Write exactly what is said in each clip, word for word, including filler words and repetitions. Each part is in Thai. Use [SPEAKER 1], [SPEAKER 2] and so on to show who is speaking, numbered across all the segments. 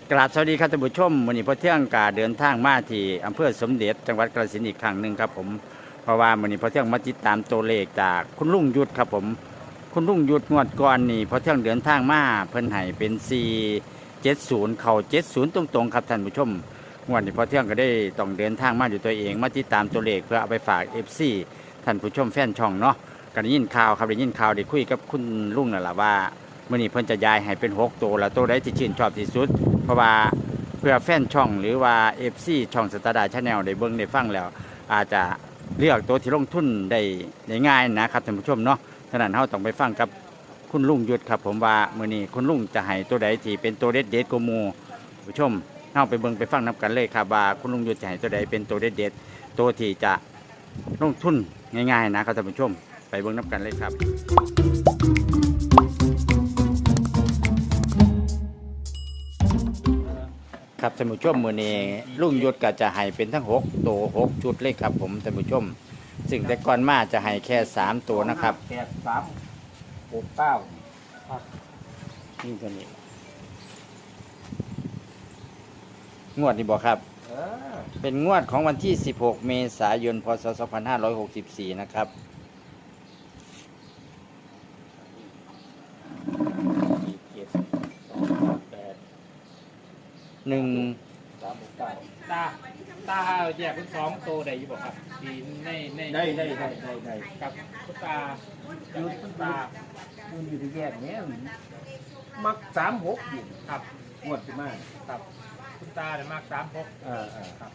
[SPEAKER 1] กราบสวัสดีครับท่านผู้ชมวันนี้พอเที่ยงกาเดินทางมาที่อำเภอสมเด็จจังหวัดกาฬสินธุ์อีกครั้งหนึ่งครับผมเพราะว่าวันนี้พอเที่ยงมาติดตามตัวเลขจากคุณลุงยุทธครับผมคุณลุงยุทธงวดก่อนนี่พอเที่ยงเดินทางมาเพิ่นให้เป็นสี่เจ็ดศูนย์เข่าเจ็ดศูนย์ตรงๆครับท่านผู้ชมงวดนี้พอเที่ยงก็ได้ต้องเดินทางมาอยู่ตัวเองมาติดตามตัวเลขเพื่อเอาไปฝากเอฟซีท่านผู้ชมแฟนช่องเนาะก็ได้ยินข่าวครับได้ยินข่าวได้คุยกับคุณลุงนั่นแหละว่ามื่อนี้เพิ่นจะย้ายให้เป็นหกตัวแล้วตัวใดที่ชื่นชอบที่สุดเพราะว่าเพื่อแฟนช่องหรือว่า เอฟ ซี ช่องสตาร์ดาชาแนลได้เบิ่งได้ฟังแล้วอาจจะเลือกตัวที่ลงทุนได้ได้ง่ายนะครับท่านผู้ชมเนาะฉะนั้นเราต้องไปฟังกับคุณลุงยุทธครับผมว่ามื้อนี้คุณลุงจะให้ตัวใดที่เป็นตัวเด็ดเด็ดกว่าหมู่ผู้ชมเฮาไปเบิ่งไปฟังนํกันเลยครับว่าคุณลุงยุทธจะให้ตัวใดเป็นตัวเด็ดเด็ดตัวที่จะลงทุนง่ายๆนะครับท่านผู้ชมไปเบิ่งนํกันเลยครับครับท่านผู้ชมมื้อนี้ลุงยุทธก็จะให้เป็นทั้งหกตัวหกชุดเลยครับผมท่านผู้ชมซึ่งแต่ก่อนมาจะให้แค่สามตัวนะครับ
[SPEAKER 2] แปดสามหกเก้าครับ
[SPEAKER 1] นี่ตัวนี้งวดนี้บอกครับ
[SPEAKER 2] เออ
[SPEAKER 1] เป็นงวดของวันที่สิบหกเมษายนพศสองพันห้าร้อยหกสิบสี่นะครับ
[SPEAKER 2] สี่เจ็ดสองแปด
[SPEAKER 1] หนึ่ง
[SPEAKER 2] สามหกเก้า
[SPEAKER 3] ตาตาแยกเป็นสองตัวได้อยู่บ่ครับดีในใน
[SPEAKER 2] ได้ได้ได้ได้ได้
[SPEAKER 3] กับคุณตา
[SPEAKER 2] อยู
[SPEAKER 3] คุณ
[SPEAKER 2] ตา
[SPEAKER 3] ตา
[SPEAKER 2] คุณอยู่ที่แยกเนี้ยมักสามหกอยู่
[SPEAKER 3] ครับ
[SPEAKER 2] งวดที่มา
[SPEAKER 3] ครับคุณตาเนี่ยมากสามหก
[SPEAKER 2] เออเออ
[SPEAKER 3] ครับ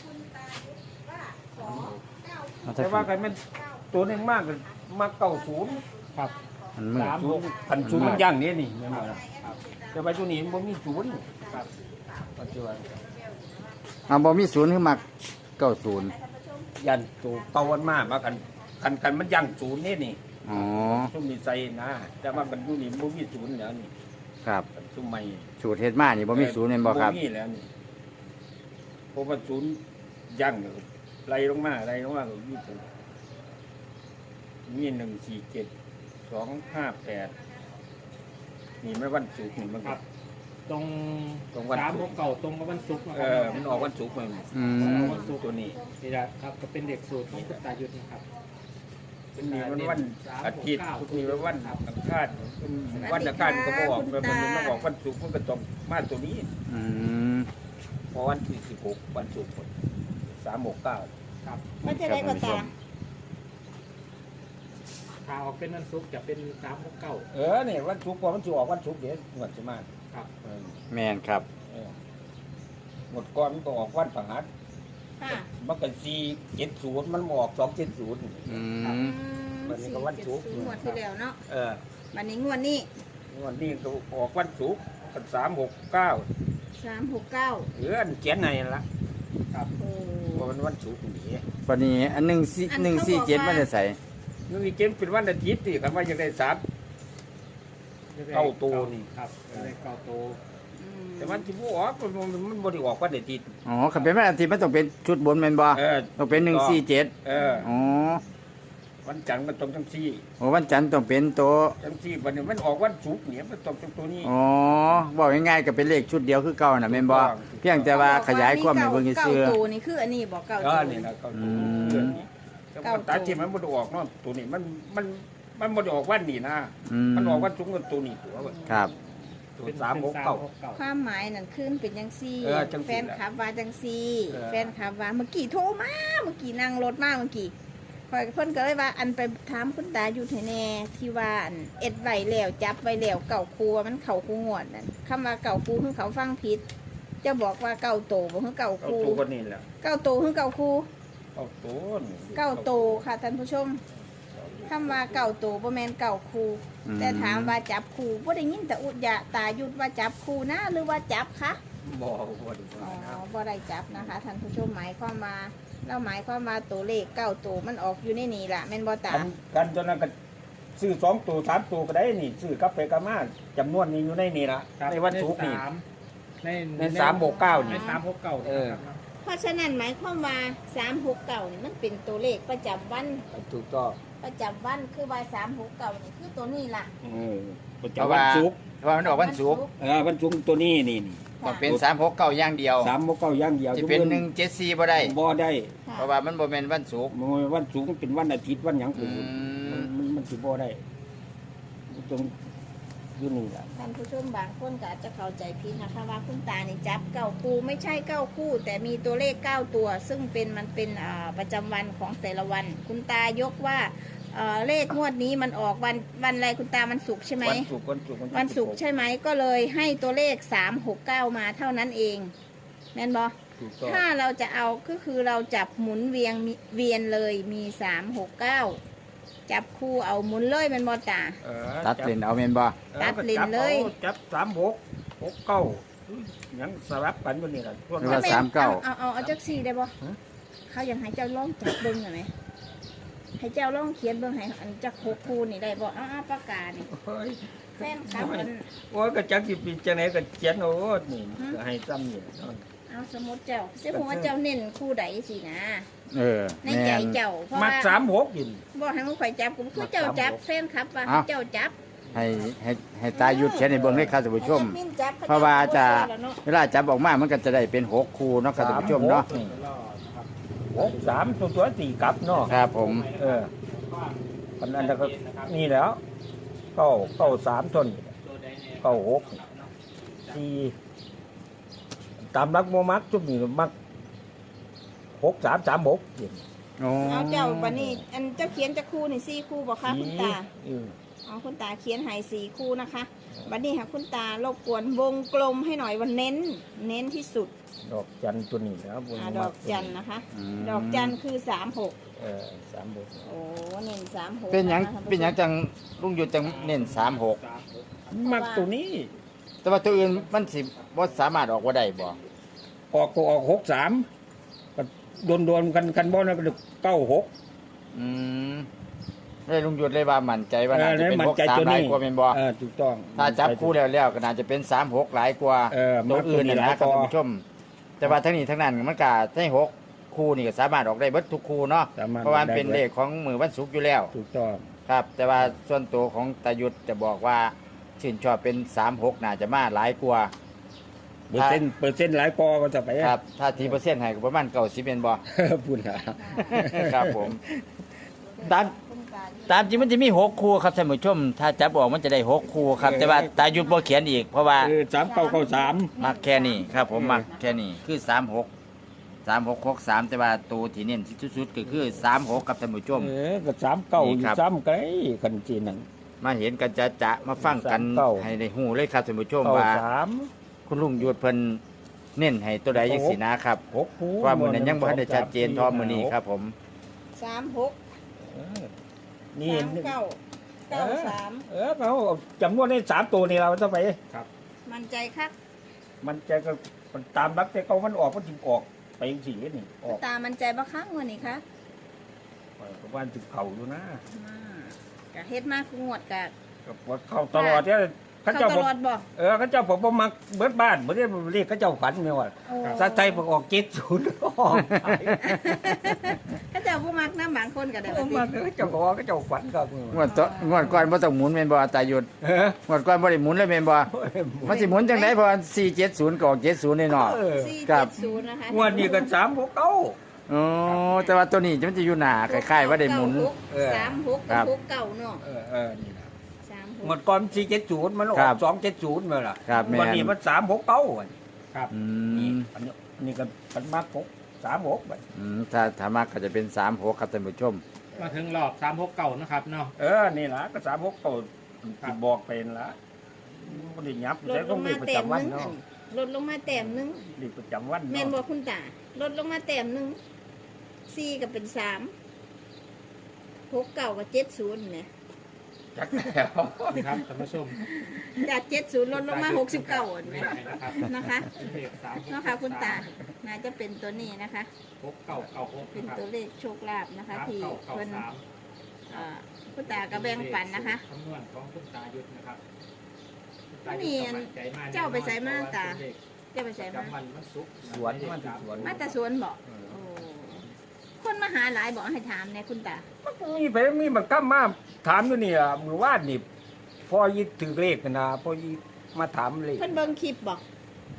[SPEAKER 2] แต่ว่ากันมันตัวหนึ่งมากเลยมักเก้าศูนย์
[SPEAKER 3] ครับ
[SPEAKER 1] มันมืด
[SPEAKER 3] สาม
[SPEAKER 2] ศู
[SPEAKER 3] ห
[SPEAKER 2] น
[SPEAKER 3] ก
[SPEAKER 2] ย์พันศูนย์มันย่างเนี้ยนี่แม่นบ่ล่ะ
[SPEAKER 3] ครับ
[SPEAKER 2] แต่ว่าตัวนี้มันบ่มีศูนย์
[SPEAKER 3] ครับ
[SPEAKER 2] ปัจจุบัน
[SPEAKER 1] เอาบอมีศูนย์ขึ้นมาเก้าศูนย์
[SPEAKER 2] ยันตัวเก่าวันมากมากันกันกันมันย่างศูนย์นี่นี่
[SPEAKER 1] อ๋อ
[SPEAKER 2] ซุ่มมีใจนะแต่ว่ามันอยู่นี่บ่มีศูนย์แล้วนี่
[SPEAKER 1] ครับ
[SPEAKER 2] ซุ่มใหม่
[SPEAKER 1] สูตรเฮ็ดมานี่บอมีศูนย์เป็นบอครับ
[SPEAKER 2] มีแล้วนี่เพราะว่าศูนย์ย่างเนี่ยไล่ลงมาไล่ลงมาก็มีศูนย์มีหนึ่งสี่เจ็ดสองห้าแปดนี่ไม่วันศุกร์นี่มัน
[SPEAKER 3] ค
[SPEAKER 2] ก็
[SPEAKER 3] รับตรง
[SPEAKER 2] ตรงวัน
[SPEAKER 3] สาม
[SPEAKER 2] ศุ
[SPEAKER 3] ห
[SPEAKER 2] ก
[SPEAKER 3] ก
[SPEAKER 2] ร์
[SPEAKER 3] เก่าตรงกับวันศุกร์นะ
[SPEAKER 2] เอ
[SPEAKER 3] ครับ
[SPEAKER 2] อมันออกวันศุกร์มัน
[SPEAKER 1] อืม
[SPEAKER 3] วันศุกร์
[SPEAKER 2] ตัวนี้
[SPEAKER 3] นี่แหละครับก็เป็นเด็กสูตรของคุณตายุทธนะครับ
[SPEAKER 2] มันมีวันวันอาทิตย์มีวันอังคารวันอังคารก็บอกมันมันมาบอกวันศุกร์มันก็ต้องมาตัวนี้
[SPEAKER 1] อืม
[SPEAKER 2] พอวันที่สิบหกวันศุกร์สามหกเก้า
[SPEAKER 3] ครับ
[SPEAKER 4] มันจะได้กว่าตา
[SPEAKER 3] ถ้าออกเป็นวันศุกร์จะเป็นสามหกเก้า
[SPEAKER 2] เออเนี่ยวันศุกร์พอมันจะออกวันศุกร์เดี๋ยวงวดจะมา
[SPEAKER 3] ครับ
[SPEAKER 2] เออ
[SPEAKER 1] แมนครับ
[SPEAKER 2] เออหมดก่อนมันก็ออกวันประหัส
[SPEAKER 4] ค่ะ
[SPEAKER 2] มันก็สี่เจ็ดศูนย์มันออกสองเจ็ดศูนย์
[SPEAKER 1] อืม
[SPEAKER 2] วันนี้ก็วันศุกร์
[SPEAKER 4] สี่เจ็ดศูนย์งวดที่แล้วเนาะ
[SPEAKER 2] เออ
[SPEAKER 4] วันนี้งวดนี้
[SPEAKER 2] วันนี้ก็ออกวันศุกร์สามหกเก้า
[SPEAKER 4] สามหกเก้า
[SPEAKER 2] เอออันเขียนในนั่นละ
[SPEAKER 3] ครับ
[SPEAKER 4] โอ้
[SPEAKER 2] เพราะมันวันศุกร์นี่
[SPEAKER 1] วันนี้อันหนึ่งสี่หนึ่งสี่เจ็ดมันจะใส่
[SPEAKER 2] นี่มีเกณฑ์เป็นวันอาทิตย์ที่คันว่าจะได้สาม เก้าตัวนี่
[SPEAKER 3] ครับได้เก้าตัว
[SPEAKER 4] อืม
[SPEAKER 2] แต่วันที่บ่ออกมันมันมันบ่ได้ออกวันอาทิตย์
[SPEAKER 1] อ๋อขับเป็นวันอาทิตย์มันต้องเป็นชุดบนแมนบอ
[SPEAKER 2] เออ
[SPEAKER 1] ต้องเป็นหนึ่งสี่เจ็ด
[SPEAKER 2] เออ
[SPEAKER 1] อ๋อ
[SPEAKER 2] วันจันทร์มันต้องทั้งสี่
[SPEAKER 1] โอ้วันจันทร์ต้องเป็นตัว
[SPEAKER 2] ทั้งสี่วันนี้มันออกวันศุกร์เนี่ยมันต้องทั้งตัวนี้
[SPEAKER 1] อ๋อบอกง่ายๆก็เป็นเลขชุดเดียวคือเก่าน่ะแม่นบ่เพียงแต่ว่าขยายความให้เบิ่ง
[SPEAKER 4] เก้า
[SPEAKER 1] ซื่อ
[SPEAKER 4] ตัวนี่คืออันนี้บอกเก้า
[SPEAKER 2] เอ
[SPEAKER 4] ตัว
[SPEAKER 2] อนี่นะเก้า
[SPEAKER 1] อื
[SPEAKER 2] ตัว
[SPEAKER 1] ม
[SPEAKER 2] แต่ว่าตาที่มันบ่ได้ออกเนาะตัวนี้มันมันมันบ่ได้ออกวันนี้นะ
[SPEAKER 1] อืม
[SPEAKER 2] มันออกวันศุกร์กับตัวนี้ตัว
[SPEAKER 1] ครับ
[SPEAKER 2] ตัวสามหกเก้า
[SPEAKER 4] ความหมายนั่นขึ้นเป็นจังซี่
[SPEAKER 2] เออจังซี่
[SPEAKER 4] แฟนคลับว่าจังซี่
[SPEAKER 2] เออ
[SPEAKER 4] แฟนคลับว่าเมื่อกี้โทรมาเมื่อกี้นั่งรถมาเมื่อกี้คอยเพิ่นก็เลยว่าอันไปถามคุณตาอยู่ไทแน่ที่ว่าอันเอ็ดไว้แล้วจับไว้แล้วเก่าครูว่ามันเข่าครูงวดนั่นคำว่าเก่าครูคือเขาฟังผิดเจะบอกว่าเก่าโตบ่คือเก่าค
[SPEAKER 2] เก้า
[SPEAKER 4] รู
[SPEAKER 2] ตัวก็นี่แหละ
[SPEAKER 4] เก่าโตคือเก่าครู
[SPEAKER 2] เก้าตัวนี่
[SPEAKER 4] เก่าโตค่ะท่านผู้ชมคำว่าเก่าโตบ่แม่นเก่าครู
[SPEAKER 1] อืม
[SPEAKER 4] แต่ถามว่าจับครูบ่ได้ยินแต่อุดยะตายุดว่าจับครูนะหรือว่าจับคะ
[SPEAKER 2] บ่บ่ได้
[SPEAKER 4] อ๋
[SPEAKER 2] ว่านะ
[SPEAKER 4] อบ่ได้จับนะคะท่านผู้ชมหมายความว่าเราหมายความว่าตัวเลขเก้าตัวมันออกอยู่ในนี่ล่ะแม่นบ่ตา
[SPEAKER 2] กันกันตัวนั้นก็ซื้อสองตัวสามตัวก็ได้นี่ซื้อกลับไปกลับมาจำนวนนี้อยู่ในนี่ละ
[SPEAKER 3] ครับ
[SPEAKER 2] ในวันศุกร์นี่
[SPEAKER 3] สามใน
[SPEAKER 2] ในสามหกเก้านี่
[SPEAKER 3] ในสามหกเก้า
[SPEAKER 2] เออ
[SPEAKER 3] ครับ
[SPEAKER 4] เพราะฉะนั้นหมายความว่าสามหกเก้านี่มันเป็นตัวเลขประจำวัน
[SPEAKER 2] ถูกต้อง
[SPEAKER 4] ประจำวันคือว่าสามหกเก้านี่คือตัวนี้ล่ะ
[SPEAKER 2] เออประจำวันศุกร์
[SPEAKER 1] เพราะว่ามันออกวันศุกร์
[SPEAKER 2] เออวันศุกร์ตัวนี้นี่นี่
[SPEAKER 1] ต้องเป็นสามหกเก้าอย่างเดียว
[SPEAKER 2] สามหกเก้าอย่างเดียว
[SPEAKER 1] จะเป็นหนึ่งเจ็ดสี่บ่ได้
[SPEAKER 2] บ่ได้
[SPEAKER 4] ค่ะ
[SPEAKER 1] เพราะว่ามันบ่แม่นวันศุกร์
[SPEAKER 2] มันวันสูงเป็นวันอาทิตย์วันหยัง
[SPEAKER 1] อื
[SPEAKER 2] กู
[SPEAKER 1] ม
[SPEAKER 2] มันมันสิบ่ได้ตรงอยู่นี่ล่ะ
[SPEAKER 4] ท่านผู้ชมบางคนก็อาจจะเข้าใจผิดนะคะว่าคุณตานี่จับเก้าคู่ไม่ใช่เก้าคู่ แต่มีตัวเลขเก้าตัว ซึ่งเป็นมันเป็นอ่าประจำวันของแต่ละวัน คุณตายกว่าเอ่อเลขงวดนี้มันออกวันวันอะไรคุณตามันศุกร์ใช่ไหม
[SPEAKER 2] วันศุกร์วันศุกร์
[SPEAKER 4] วันศุกร์ใช่ไหมก็เลยให้ตัวเลขสามหกเก้ามาเท่านั้นเองแม่นบอ
[SPEAKER 2] ถูกต้อง
[SPEAKER 4] ถ้าเราจะเอาก็คือเราจับหมุนเวียงมีเวียนเลยมีสามหกเก้าจับคู่เอาหมุนเลยแม่นบอตา
[SPEAKER 2] เออ
[SPEAKER 1] ตัดเลนเอาแม่นบ่
[SPEAKER 4] ตัดลิ้นเลย
[SPEAKER 2] จับสามหกหกเก้าหยังสลับกันวันนี้ล่ะช่วง
[SPEAKER 1] หรือว่า
[SPEAKER 2] นั้น
[SPEAKER 1] สามเก้า
[SPEAKER 4] เอาเอาเอาจักสี่ได้บ่
[SPEAKER 2] ฮะ
[SPEAKER 4] เขาอยากให้เจ้าลองจับเบิ้งหน่อยไหมให้เจ้าลองเขียนเบิ้งให้อันจักหกคู่นี่ได้บ่อ้าวปากกานี่
[SPEAKER 2] เฮ้ย
[SPEAKER 4] แฟนครับมัน
[SPEAKER 2] โอ้ยก็จักสิปีจังไหนก็เขียนโอ้นี่ก็ให้ซ้ำนี่เนาะ
[SPEAKER 4] เอาสมมติเจ้าเสียหัวาเจ้าเน้นคู่ใดสินะ
[SPEAKER 1] เออ
[SPEAKER 4] ใน
[SPEAKER 1] แม่
[SPEAKER 4] ใจ
[SPEAKER 1] น
[SPEAKER 4] เจ้าเพราะ
[SPEAKER 2] มัก
[SPEAKER 4] ว่า
[SPEAKER 2] สามหกยิน
[SPEAKER 4] บ่ให้มึงข่อยจับกูคือเจ้าจับแฟนครับว่า
[SPEAKER 1] เอ้า
[SPEAKER 4] เจ้าจับ
[SPEAKER 1] ให้ให้ให้ตาหยุดเขียนให้เบิ่งเลยครับท่านผู้ชม
[SPEAKER 4] ให้แอดมินจับข
[SPEAKER 1] เพราะว่าจะ
[SPEAKER 4] เชื่อแล้วเนาะ
[SPEAKER 1] เวลาจับออกมามันก็จะได้เป็นหกคู่เนาะครับท่านผู้ชมเนาะ
[SPEAKER 2] สหกนี่
[SPEAKER 3] รอนะครับ
[SPEAKER 2] หกสามตัวตัวสี่กลับเนาะ
[SPEAKER 1] ครับผม
[SPEAKER 2] เอออันนั้นก็นี่แหล้วเก้าเก้าสามต้น
[SPEAKER 3] ตัวใดเนี่ย
[SPEAKER 2] เก้าหกสี่ตามรักโมมักจุดนี้มักหกสามสามหกยิน
[SPEAKER 1] โอ้
[SPEAKER 4] เอาเจ้าบัดนี้อันเจ้าเขียนจักคู่นี่สี่คู่บ่คะคุณตา
[SPEAKER 2] เออ
[SPEAKER 4] เอาคุณตาเขียนให้สี่คู่นะคะบัดนี้ค่ะคุณตารบกวนวงกลมให้หน่อยวันเน้น เน้นที่สุด
[SPEAKER 2] ดอกจันตัวนี้นะครับ
[SPEAKER 4] อ่าดอกจันนะคะ
[SPEAKER 1] ม
[SPEAKER 4] ดอกจันคือสามหก
[SPEAKER 2] เออสามหก
[SPEAKER 4] โอ้เน้นสามหก
[SPEAKER 1] เป็นหยัง
[SPEAKER 4] ะคะ
[SPEAKER 1] เป็นหยังจังลุงหยุดจังเน้นสามหก
[SPEAKER 3] สามหก
[SPEAKER 2] มักตัวนี้
[SPEAKER 1] แต่ว่าตัวอื่นมันสิบ่สามารถออกว่าได้บ่
[SPEAKER 2] ออกก็ออกหกสามก็โดนโดนๆกันกันบ่นะก็เก้าหก
[SPEAKER 1] อืมเลยลุงหยุดเลยว่ามั่นใจว่าน่าจะเป็น
[SPEAKER 2] มั่
[SPEAKER 1] ห
[SPEAKER 2] น
[SPEAKER 1] ก
[SPEAKER 2] ใจ
[SPEAKER 1] สาม
[SPEAKER 2] ตัว
[SPEAKER 1] หลาย
[SPEAKER 2] นี้
[SPEAKER 1] กว่าเป็นบ่
[SPEAKER 2] เออถูกต้อง
[SPEAKER 1] ถ้าจับคู่แล้วแล้วก็น่าจะเป็นสามหกหลายกว่า
[SPEAKER 2] เออ
[SPEAKER 1] ตัวอื่นน่ะ
[SPEAKER 2] ห
[SPEAKER 1] นะ
[SPEAKER 2] ลาย
[SPEAKER 1] ค
[SPEAKER 2] ก
[SPEAKER 1] รับ
[SPEAKER 2] ว่า
[SPEAKER 1] ท่านผู้ชม แต่ว่าทั้งนี้ทั้งนั้นมันก็ให้หกคู่นี่ก็สามารถออกได้เบิดทุกคู่เนาะ
[SPEAKER 2] สามารถ
[SPEAKER 1] เพราะว่ามันเป็น
[SPEAKER 2] ออกได้
[SPEAKER 1] เลขของมือวันศุกร์อยู่แล้ว
[SPEAKER 2] ถูกต้อง
[SPEAKER 1] ครับ แต่ว่าส่วนตัวของตายุทธจะบอกว่าชื่นชอบเป็นสามหกน่าจะมาหลายกว่า
[SPEAKER 2] เปอร์เซ็นต์เปอร์เซ็นต์หลายปอก็จะไป
[SPEAKER 1] ครับ ถ้าทีเปอร์เซ็นต์ให้ก็ประมาณเก้าสิบเป็นบ่
[SPEAKER 2] พูดนะ
[SPEAKER 1] ครับผม ตาม
[SPEAKER 4] คุณตา
[SPEAKER 1] ตามจริงมันจะมีหกคู่ครับท่านผู้ชม ถ้าจับออกมันจะได้หกคู่ครับ แต่ว่าตายุทธบ่เขียนอีก เพราะว่า
[SPEAKER 2] เออสามเก้าเก้าสาม
[SPEAKER 1] มักแค่นี้ครับ ผมมักแค่นี้คือสามหกสามหกหกสามแต่ว่าตัวที่เน้นที่สุดๆก็คือสามหกครับท่านผู้ชม
[SPEAKER 2] เออก็สามเก้า
[SPEAKER 1] นี่
[SPEAKER 2] อยู่
[SPEAKER 1] ครับ
[SPEAKER 2] ซ้ำไกลกันจีหนัง
[SPEAKER 1] มาเห็นกันจะจะมาฟังกัน
[SPEAKER 2] สามเก้า
[SPEAKER 1] ให้ได้หูเลยครับท่านผู้ชม
[SPEAKER 2] เก้า
[SPEAKER 1] ว่า
[SPEAKER 2] สาม
[SPEAKER 1] คุณลุงยุทธเพิ่นเน้นให้ตัวใดจังสีนะครับ
[SPEAKER 2] หกคู่
[SPEAKER 1] ว่ามือนั้นยังบ่ทันได้ชัดเจนทอมือนี้ครับ ผม
[SPEAKER 4] สามหก
[SPEAKER 2] เออนี่
[SPEAKER 4] สามเก้าเก้าสาม
[SPEAKER 2] เออเขาจำนวนได้สามตัวนี่เราจะไป
[SPEAKER 4] มั่นใจคัก
[SPEAKER 2] มันจะก็มันตามรักแต่เขามันออกมันถึงออกไปสีนี่ออก
[SPEAKER 4] ตามั่นใจบ่คักงวดนี้คะ
[SPEAKER 2] ประมาณถึงเข่าอยู่นะ
[SPEAKER 4] มากะเฮ็ดมากคืองวดกะ
[SPEAKER 2] ก็ว่าเข้าตลอดเนี่ยเขา
[SPEAKER 4] เข้า
[SPEAKER 2] เจ้า
[SPEAKER 4] ต
[SPEAKER 2] ผม
[SPEAKER 4] ลอดบ่
[SPEAKER 2] เออเขาเจ้าผมบ่มักเบิดบ้านบ่ได้เรียกเขาเจ้าฝันไม่ว่า
[SPEAKER 4] โอ้
[SPEAKER 2] ซาไทยบอกออกเจ็ดศูนย์ออก
[SPEAKER 4] เขาเจ้าผู้มักน้ำบางคนก็ได้
[SPEAKER 2] บ่
[SPEAKER 4] ว่า
[SPEAKER 2] มั
[SPEAKER 4] ติ
[SPEAKER 2] กเขาเจ้าบอกว่าเขาเจ้าฝันครับ
[SPEAKER 1] งวดต่องวดก่อนบ่ต้องหมุนแม่นบ่ตายุทธ
[SPEAKER 2] เออง
[SPEAKER 1] วดก่อนบ่ได้หมุนเลยแม่นบ่มันสิหมุนจังได๋เพราะสี่เจ็ดศูนย์ก็ออกเจ็ดศูนย์แน่นอน
[SPEAKER 2] เออ
[SPEAKER 4] สี่
[SPEAKER 1] ครั
[SPEAKER 4] เจ็
[SPEAKER 1] บ
[SPEAKER 4] ดศูนย์นะคะ
[SPEAKER 2] งวดนี้ก็สามหกเก้า
[SPEAKER 1] อ๋อแต่ว่าตัวนี้มันจะอยู่หน้าคล้ายๆว่าได้หมุน
[SPEAKER 2] เออ
[SPEAKER 4] สามหก
[SPEAKER 1] ครั
[SPEAKER 4] กับบ หกเก้าเนาะ
[SPEAKER 2] เออเออนี่นะ
[SPEAKER 4] สามห
[SPEAKER 2] งว
[SPEAKER 4] ก
[SPEAKER 2] ดก่อนสี่เจ็ดศูนย์มันออ
[SPEAKER 1] ครั
[SPEAKER 2] ก
[SPEAKER 1] บ
[SPEAKER 2] สองเจ็ดศูนย์มาล่ะ
[SPEAKER 1] ครับแม่น
[SPEAKER 2] วันนี้มันสามหกเก้า
[SPEAKER 3] ครับ
[SPEAKER 1] อื
[SPEAKER 2] นี่
[SPEAKER 1] ม
[SPEAKER 2] อันนี้อันนี้ก็มันมากหกสามหกบัด
[SPEAKER 1] อืมถ้าถ้ามากก็จะเป็นสามหกครับท่านผู้ชม
[SPEAKER 3] มาถึงรอบสามหกเก่านะครับเนาะ
[SPEAKER 2] เออนี่ล่ะก็สามหกเก้าที่บอกเป็นละบ่ได้ยับ
[SPEAKER 4] ล
[SPEAKER 2] ใช้
[SPEAKER 4] ดล
[SPEAKER 2] ต้อง
[SPEAKER 4] ง
[SPEAKER 2] เรี
[SPEAKER 4] มาย
[SPEAKER 2] กประ
[SPEAKER 4] แต้ม
[SPEAKER 2] จำวัน
[SPEAKER 4] หนึง
[SPEAKER 2] เนาะ
[SPEAKER 4] อันนี้ลดลงมาแต้มหนึง
[SPEAKER 2] เรียกประจำวัน
[SPEAKER 4] แม่น
[SPEAKER 2] เนาะ
[SPEAKER 4] บ่คุณตาลดลงมาแต้มหนึงสี่ก็เป็นสามหกเก้ากับเจ็ดศูนย์เนี่ย
[SPEAKER 2] จักแล้ว
[SPEAKER 3] นี่ครับท่านผู้ชม
[SPEAKER 4] จากเจ็ดศูนย์ลดลงมาหกสิบเก้าอัน
[SPEAKER 3] ไม่
[SPEAKER 4] เนี่ย
[SPEAKER 3] ใช่นะครับ
[SPEAKER 4] นะคะ
[SPEAKER 3] เลขสาม
[SPEAKER 4] เนาะค่ะคุณตา น่าจะเป็นตัวนี้นะคะ
[SPEAKER 3] หกเก่าเก่าหก
[SPEAKER 4] เป็น
[SPEAKER 3] นะครับ
[SPEAKER 4] ตัวเลขโชคลาภนะคะ
[SPEAKER 3] สาม
[SPEAKER 4] ที่
[SPEAKER 3] เก่าเก่า
[SPEAKER 4] เพิ่น
[SPEAKER 3] สาม
[SPEAKER 4] เอ่อคุณตาก็แบ่งปันนะคะ
[SPEAKER 3] คำนวณของคุณตายุทธนะครับคุณตา
[SPEAKER 4] นี่
[SPEAKER 3] ยุทธก็มั่นใจมก
[SPEAKER 4] เจ้าไปใส่มาตา
[SPEAKER 3] เพระว่เป็นเลข
[SPEAKER 4] จะไปใส่มา
[SPEAKER 3] จำวันวันศุกร์
[SPEAKER 2] สวนมันสิสวน
[SPEAKER 4] มาแต่สวนบอกโอ้คนมาหาหลายบอกให้ถามเนี่ยคุณตา
[SPEAKER 2] มันมีไปมีมันก็มาถามอยู่นี่อ่ะมือวาดนี่พอยิถือเลขกันนะพอยิมาถามเลข
[SPEAKER 4] เพิ่นเบิ่งคลิปบอก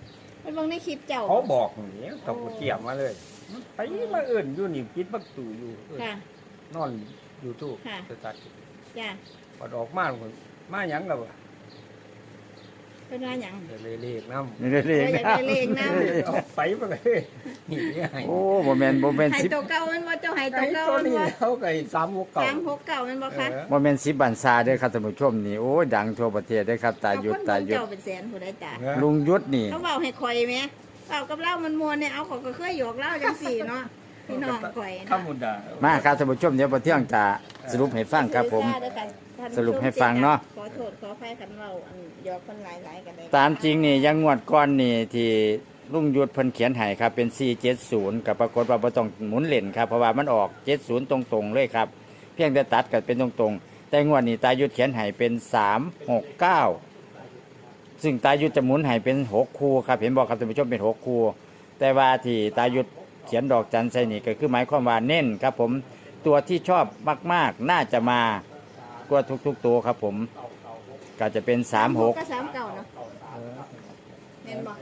[SPEAKER 4] ไปเบิ่งในคลิปเจ้า
[SPEAKER 2] เขาบอกอย่างนี้ตกเกี่ยมมาเลยไปมาเอื่นอยู่นี่ปิดประตูอยู่เอิ้น
[SPEAKER 4] ค่ะ
[SPEAKER 2] นอนอยู่ตู้
[SPEAKER 4] ค่ะ
[SPEAKER 2] สตาร์ท
[SPEAKER 4] จ้ะ
[SPEAKER 2] พอออกมาผมมาหยังแล้ว
[SPEAKER 4] เป็นว่าหยัง
[SPEAKER 2] เลยเลขน้ำ
[SPEAKER 1] นี่เลข
[SPEAKER 4] อยากได้เลขนำ
[SPEAKER 2] เอาไปมาเลยนี่ไง
[SPEAKER 1] โอ้บ่แม่นบ่แม่น
[SPEAKER 4] ให้
[SPEAKER 1] สิบ
[SPEAKER 4] ตัวเก่าแมันบ่เจ้าให้ตัว
[SPEAKER 2] ไอ้
[SPEAKER 4] เก่า
[SPEAKER 2] ตัว
[SPEAKER 4] แมัน
[SPEAKER 2] นี้
[SPEAKER 4] บ่
[SPEAKER 2] เขาไก่สามหกเก่า
[SPEAKER 4] สามหกเก่าแมันบ่คะ
[SPEAKER 2] เออ
[SPEAKER 1] บ่แม่นสิบบันซาเด้อครับท่านผู้ชมนี่โอ้ยดังทั่วประเทศเด้อครับตายุด
[SPEAKER 4] เอคน
[SPEAKER 1] ตา
[SPEAKER 4] เบิ่ง
[SPEAKER 1] ยุด
[SPEAKER 4] เจ้าเป็นแสนผู้ใดจ้ะ
[SPEAKER 2] เออ
[SPEAKER 1] ลุงยุทธนี่
[SPEAKER 4] เขาเว้าให้ข่อยแหมเว้ากับเรามันม่วนเนี่ยเอาเขอยก็เคยหยอกเล่าจังซี่เนาะพี่น้องข่อย
[SPEAKER 2] ธร
[SPEAKER 4] เนาะ
[SPEAKER 2] รมดา
[SPEAKER 1] มาครับท่านผู้ชมเดี๋ยวพอเที่ยงจะสรุปให้ฟังครับผม สรุปให้ฟังเนาะ
[SPEAKER 4] ขอโทษขออภัยกันเว้าอันหยอกคนหลายๆกันได้
[SPEAKER 1] ตามจริงนี่ยังงวดก้อนนี่ที่ลุงยุทธเพิ่นเขียนให้ครับเป็น สี่เจ็ดศูนย์กับปรากฏว่าบ่ต้องหมุนเล่นครับเพราะว่ามันออกเจ็ดศูนย์ตรงๆเลยครับเพียงแต่ตัดกันเป็นตรงๆแต่งวดนี้ตายุทธเขียนให้เป็นสามหกเก้าซึ่งตายุทธจะหมุนให้เป็นหกคู่ครับเห็นบอกครับท่านผู้ชมเป็นหกคู่แต่ว่าที่ตายุทธเขียนดอกจันใส่นี่ก็คือหมายความว่าเน้นครับผมตัวที่ชอบมากๆน่าจะมากว่าทุกๆตัวครับผมก็จะเป็นสามหก
[SPEAKER 4] ก็สามเก่าเนาะแม่นบ่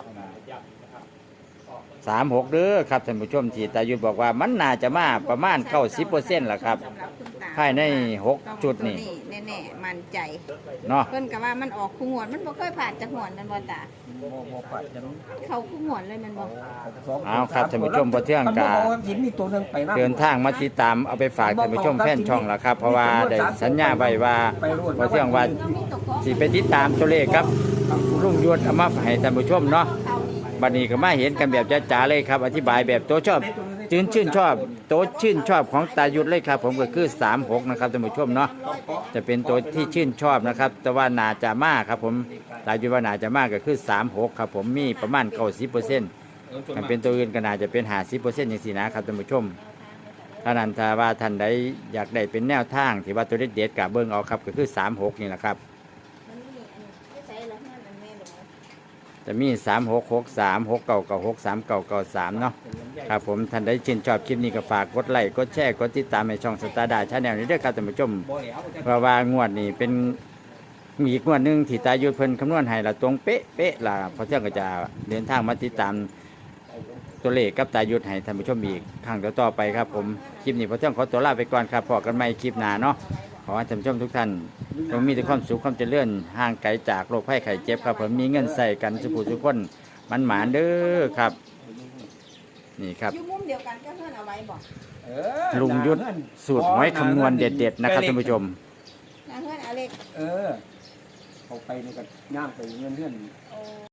[SPEAKER 1] สามหกเด้อครับท่านผู้ชมที่ตายุทธบอกว่ามันน่าจะมาประมาณเก้าสิบเปอร์เซ็นต์ละครับ
[SPEAKER 4] สำหรับคุณตา
[SPEAKER 1] ภายในหกจุดนี่
[SPEAKER 4] แน่ๆมั่นใจ
[SPEAKER 1] เนาะ
[SPEAKER 4] เพิ่นก็ว่ามันออกคู่งวดมันบ่เคยผ่านจักงวดนั่นบ่ตา
[SPEAKER 2] โมโมปัดจะรู้
[SPEAKER 4] เขาคู่งวดเลยแมันบ่
[SPEAKER 1] เอาครับท่านผู้ชมพอเที่ยงกา
[SPEAKER 2] หินมีตัวหนึงไปนะ
[SPEAKER 1] เดินทางมาติดตามเอาไปฝากท่านผู้ชมแฟนช่องละครับ เพราะว่าได้สัญญาไว้ว่าพอเที่ยงว่าสิไปติดตามตัวเลขครับลุงยุทธเอามาให้ท่านผู้ชมเนาะ
[SPEAKER 4] เขานี่
[SPEAKER 1] บัดนี้ก็มาเห็นกันแบบจ๋าๆเลยครับ อธิบายแบบตัวชอบชื่นชื่นชอบโตัวชื่นชอบของตายุทธเลยครับ ผมก็คือสามหกนะครับท่านผู้ชมเนาะจะเป็นตัวที่ชื่นชอบนะครับ แต่ว่านาจะมากครับ ผมตายุทธว่านาจะมากก็คือสามหกครับ ผมมีประมาณเก้าสิบเปอร์เซ็นต์ถ้าเป็นตัวอื่นก็น่าจะเป็นห้าสิบเปอร์เซ็นต์อย่างสี่นะครับท่านผู้ชมถ้านั้นถ้าว่าท่านใดอยากได้เป็นแนวทางที่ว่าตัวเด็ดๆกับเบิ้งเอาครับก็คือสามหกนี่แหละครับ
[SPEAKER 4] มันมีอันที่ใส่แล้วนั่นอันแม่บ่
[SPEAKER 1] จะมีสามหกหกสามหกเก้าเก้าหกสามเก้าเก้าสามเนาะครับผมท่านใดชื่นชอบคลิปนี้ก็ฝากกดไลค์กดแชร์กดติดตามในช่องสตาร์ดาชาแนลนี้ด้วยครับท่านผู้ชมเพราะว่างวดนี้เป็นมีอีกงวดหนึ่งที่ตายุทธเพิ่นคำนวณให้ละตรงเป๊ะเป๊ะละเพราะเที่ยงก็จะเดินทางมาติดตามตัวเลขกับตายุทธให้ท่านผู้ชมอีกครั้งต่อๆไปครับผมคลิปนี้เพราะเที่ยงขอตัวลาไปก่อนครับพอกันใหม่คลิปหน้าเนาะขอให้ท่านผู้ชมทุกท่านจงมีแต่ความสุขความเจริญห่างไกลจากโรคภัยไข้เจ็บครับผมมีเงินใส่กันสุขสุขคนมันหมานเด้อครับ นี่ครับ
[SPEAKER 4] อยู่มุมเดียวกันก็เพิ่นเอาไว้บ่
[SPEAKER 2] เออ
[SPEAKER 1] ลุงยุทธสูตรหวยคำนวณเด็ดๆนะครับท่านผู้ชม
[SPEAKER 4] นะเพิ่นเอาเลข
[SPEAKER 2] เออเอาไปนี่ก็ย่างไปเงื่อนเงื่อน